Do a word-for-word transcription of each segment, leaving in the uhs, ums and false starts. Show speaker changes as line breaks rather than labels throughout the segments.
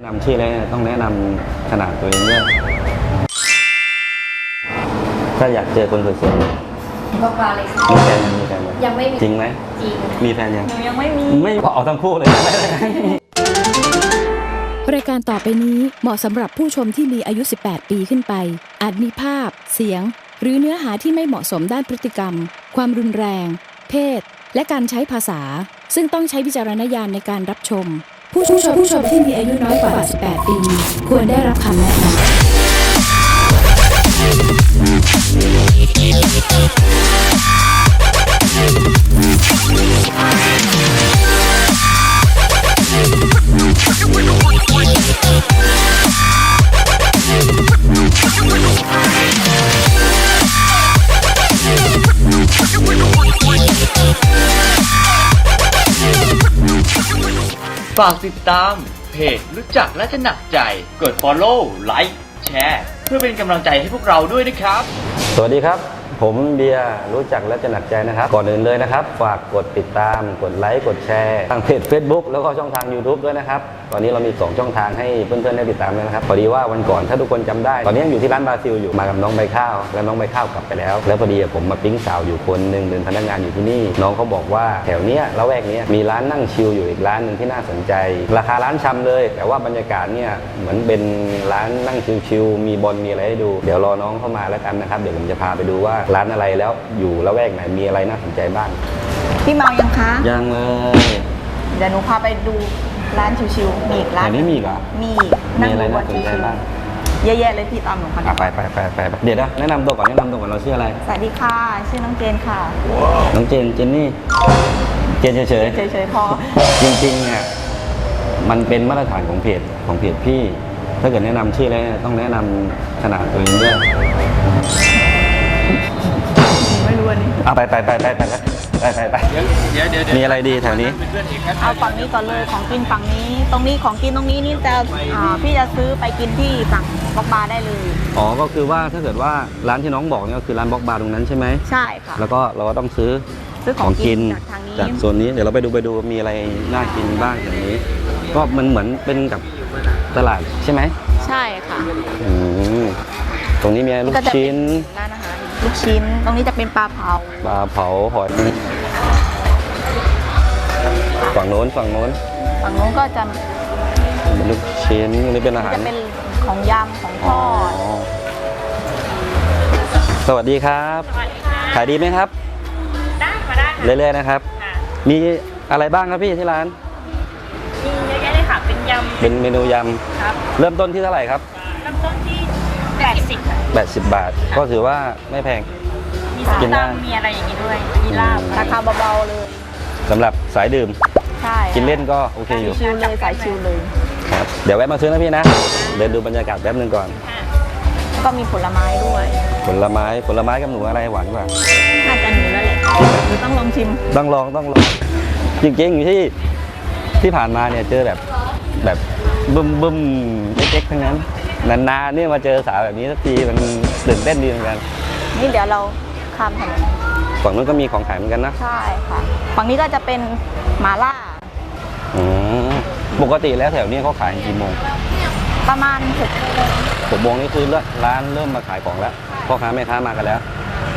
นำชื่อแล้วต้องแนะนำขนาดตัวเองด้วยถ้าอยากเจอคนสวยๆ
บอกมาเลยค่ะ
มีแฟนยังมีแฟน
ยังไม่มี
จริงไหม
จริง
มีแฟนยัง
หนูยังไม่มี
ไม่เอาทั้งคู่เลย
รายการต่อไปนี้เหมาะสำหรับผู้ชมที่มีอายุสิบแปดปีขึ้นไปอาจมีภาพเสียงหรือเนื้อหาที่ไม่เหมาะสมด้านพฤติกรรมความรุนแรงเพศและการใช้ภาษาซึ่งต้องใช้วิจารณญาณในการรับชมผู้ชมผู้ชมที่มีอายุน้อยกว่าสิบแปดปีควรได้รับคำแนะนำ
ฝากติดตามเพจรู้จักและจะหนักใจกด follow ไลค์แชร์เพื่อเป็นกำลังใจให้พวกเราด้วยนะครับ
สวัสดีครับผมเบียร์รู้จักและจะหนักใจนะครับก่อนอื่นเลยนะครับฝากกดติดตามกดไลค์กดแชร์ทางเพจ Facebook แล้วก็ช่องทาง YouTube ด้วยนะครับตอนนี้เรามีสองช่องทางให้เพื่อนๆได้ติดตามเลยนะครับพอดีว่าวันก่อนถ้าทุกคนจำได้ตอนนี้อยู่ที่ร้านบราซิลอยู่มากับน้องใบข้าวแล้วน้องใบข้าวกลับไปแล้วแล้วพอดีผมมาปิ๊งสาวอยู่คนหนึ่งเป็นพนักงานอยู่ที่นี่น้องเขาบอกว่าแถวเนี้ยละแวกเนี้ยมีร้านนั่งชิลอยู่อีกร้านหนึ่งที่น่าสนใจราคาร้านชำเลยแต่ว่าบรรยากาศเนี่ยเหมือนเป็นร้านนั่งชิลๆมีบอลมีอะไรให้ดูเดี๋ยวรอน้องเข้ามาแล้วกันนะครับเดี๋ยวผมจะพาไปดูว่าร้านอะไรแล้วอยู่ละแวกไหนมีอะไรน่าสนใจบ้าง
พี่เมายังคะ
ยังเลย
เดี๋ยวหนูพาไปดูร้านชิวๆมีอีกร้าน
แต่นี่มีอีกเหรอ
มี
มีอะไรน่าสนใจบ้าง
เยอะๆเลยพี่ตามหนูค่ะ
ไปไปไปไปเดี๋ยวนะแนะนำตัวก่อนแนะนำตัวก่อนเราชื่ออะไร
สวัสดีค่ะชื่อน้องเจนค่ะ
น้องเจนเจนนี่เจนเฉยเฉย
เฉยๆพอ
จริงๆเนี่ยมันเป็นมาตรฐานของเพจของเพจพี่ถ้าเกิดแนะนำชื่อแล้วต้องแนะนำขนาดตัวเองด้วย
ไม่รู้อันนี้
เอาไปไปไปไปไปไปไปไปเดี๋ยวเดี๋ยวมีอะไรดีแถวนี้
เอาฝั่งนี้ก่อนเลยของกินฝั่งนี้ตรงนี้ของกินตรงนี้นี่จะพี่จะซื้อไปกินที่ฝั่งบล็อกบาร์ได้เลย
อ๋อก็คือว่าถ้าเกิดว่าร้านที่น้องบอกเนี่ยก็คือร้านบล็อกบาร์ตรงนั้นใช่ไหม
ใช่ค่ะ
แล้วก็เราก็ต้องซื้อ
ซื้อของกินจากทางนี้
จากโซนนี้เดี๋ยวเราไปดูไปดูมีอะไรน่ากินบ้างอย่างนี้ก็มันเหมือนเป็นกับตลาดใช่ไหม
ใช่ค่ะ
อืมตรงนี้มีลูกชิ้น
ร้านอาหารลูกชิ้นตรงนี้จะเป็นปลาเผา
ปลาเผาหอยฝั่งโน้นฝั่งโน้น
ฝั่งโน้นก็จะ
ลูกชิ้นนี่เป็นอาหาร
จะเป็นของยำของทอด
สวัสดีครับขายดีไหมครับ
ได้มาได้
เรื่อยๆนะครับมีอะไรบ้างครับพี่ที่ร้าน
มีเยอะแยะเลยค่ะเป็นยำ
เป็นเมนูยำครับเริ่มต้นที่เท่าไหร่ครับ
เริ่มต้นที่แปดสิบ
แปดสิบบาทก็ถือว่าไม่แพง
มีส้มตำมีอะไรอย่างนี้ด้วยมีลาบ
ราคาเบาๆเลย
สำหรับสายดื่ม
ใช่
กินเล่นก็โอเคอยู่
ชิลเลยสายชิลเลย
ครับเดี๋ยวแวะมาซื้อนะพี่นะเดินดูบรรยากาศแป๊บนึงก่อน
ก็มีผลไม้ด้วย
ผลไม้ผลไม้กับหนูอะไรหวานกว่า
น่าจะหนูแล้วแหละหรือต้องลองชิม
ต้องลองต้องลองจริงๆอยู่ที่ที่ผ่านมาเนี่ยเจอแบบแบบบึ้มบึ้มเจ๊กๆทั้งนั้นนานๆนี่มาเจอสาวแบบนี้สักทีมันตื่นเต้นดีเหมือนกัน
นี่เดี๋ยวเราข้ามถนน
ฝั่งนู้นก็มีของขายเหมือนกันนะ
ใช่ค่ะฝั่งนี้ก็จะเป็นหม่าล่า
อืมปกติแล้วแถวนี้เขาขายกี่โมง
ประมาณหก
หกโมงนี่คือร้านเริ่มมาขายของแล้วพ่อค้าแม่ค้ามากันแล้ว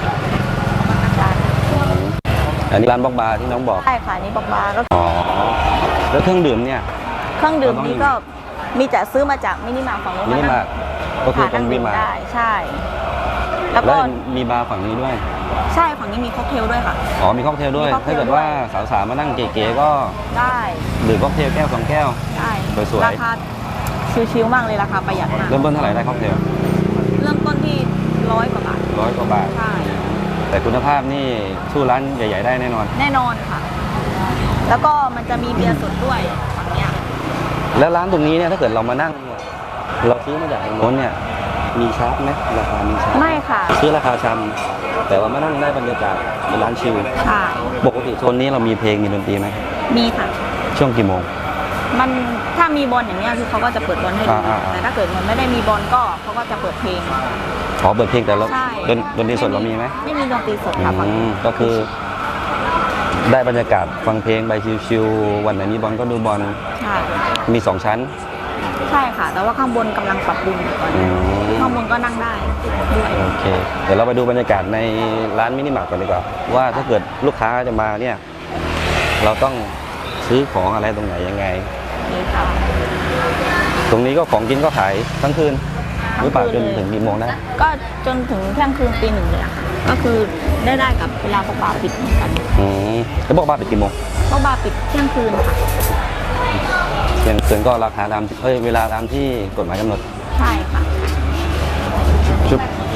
อันนี้ร้านบล็อกบาร์ที่น้องบอก
ใช่ค่ะนี่บล็อกบาร์ก็
อ๋อแล้วเครื่องดื่มเนี่ย
เครื่องดื่มนี้ก็มีจะซื้อมาจากมินิมาร์ทฝั่งนู้น
มินิมาร์ทก็คือตรงมินิมาร์ท
ได้ใช่
แล้วก็มีบาร์ฝั่งนี้ด้วย
ใช่ฝั่งนี้มีค็อกเทลด้วยค่ะ
อ๋อมีค็อกเทลด้วยถ้าเกิดว่าสาวๆมานั่งเก๋ๆก็
ได้
ดื่มค็อกเทลแก้วสองแก้ว
ได้
สวยๆ
ราคาชิวๆมากเลยราคาประหยัดมาก
เริ่มต้นเท่าไหร่ได้ค็อกเทล
เริ่มต้นที่ร้อยกว่าบาท
ร้อยกว่าบาท
ใช่
แต่คุณภาพนี่สู้ร้านใหญ่ๆได้แน่นอน
แน่นอนค่ะแล้วก็มันจะมีเบียร์สดด้วยฝั่งเนี้ย
แล้วร้านตรงนี้เนี่ยถ้าเกิดเรามานั่งเราซื้อมาจากตรงโน้นเนี่ยมีชาร์จไหมราคามีชาร์จ
ไม่ค่ะ
ซื้อราคาชำแต่ว่ามานั่งได้บรรยากาศเป็นร้านชิล
ใช่
ปกติโซนนี้เรามีเพลงมีดนตรีไหม
มีค่ะ
ช่วงกี่โมง
มันถ้ามีบอลอย่างเงี้ยคือเขาก็จะเปิดบอลให้ดูแต่ถ้าเกิดมันไม่ได้มีบอลก็เขาก็จะเปิดเพลง
อ๋อเปิดเพลงแต่เราดนตรีสดเรามีไหม
ไม่มีดนตรีสดค่ะ
ก็คือได้บรรยากาศฟังเพลงไปชิลๆวันไหนมีบอลก็ดูบอลมีสองชั้น
ใช่ค่ะ แต่ว่าข้างบนกำลังปรับปรุงอยู่ตอนนี้
อืม
ข้างบนก็นั่งได้ด้วย
โอเค เดี๋ยวเราไปดูบรรยากาศในร้านมินิมาร์ทก่อนดีกว่า ว่าถ้าเกิดลูกค้าจะมาเนี่ย เราต้องซื้อของอะไรตรงไหนยังไง
นี่ค่ะ
ตรงนี้ก็ของกินก็ขายทั้งคืนหรือเปล่าจนถึงกี่โมงนะ
ก็จนถึงเที่ยงคืนตีหนึ่งเลยอะค่ะ ก็คือได้ได้กับเวลาพวกบาร์ปิดเหมือนกัน
อืมแล้วบอกบ้านปิดกี่โมง
พวกบาร์ปิดเที่ยงคืนค่ะ
เที่ยงคืนก็ราคาตามเอ้ยเวลาตามที่กฎหมายกำหนด
ใช่ค่ะ
ชุบ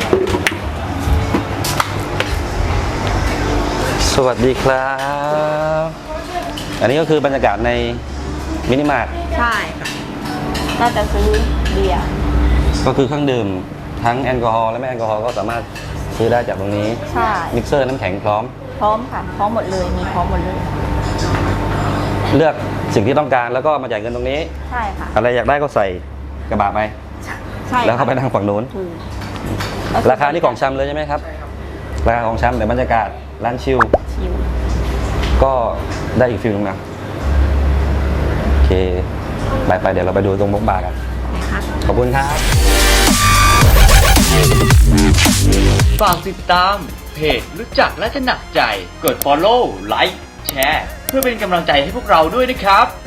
สวัสดีครับ อันนี้ก็คือบรรยากาศในมินิมาร์ท
ใช่ค่ะน่าจะซื้อเบียร์
ก็คือเครื่องดื่มทั้งแอลกอฮอล์และไม่แอลกอฮอล์ก็สามารถซื้อได้จากตรงนี้
ใช่
มิกเซอร์น้ำแข็งพร้อม
พร้อมค่ะ พร้อมหมดเลย มีพร้อมหมดเลย
เลือกสิ่งที่ต้องการแล้วก็มาจ่ายเงินตรงนี้
ใช่ค่ะ
อะไรอยากได้ก็ใส่กระบะไป
ใช่
แล้วเข้าไปนั่งฝั่งนู้น
ถูก
ราคานี่ของชำเลยใช่ไหมครับ ราคาของชำแต่บรรยากาศร้านชิล
ชิว
ก็ได้อีกฟิลนึงนะ โอเค ไปไปเดี๋ยวเราไปดูตรงมุกบาร์กัน
นะคะ
ขอบคุณครับ
ฝากติดตามเพจรู้จักและจะหนักใจ กด follow ไลค์แชร์ เพื่อเป็นกำลังใจให้พวกเราด้วยนะครับ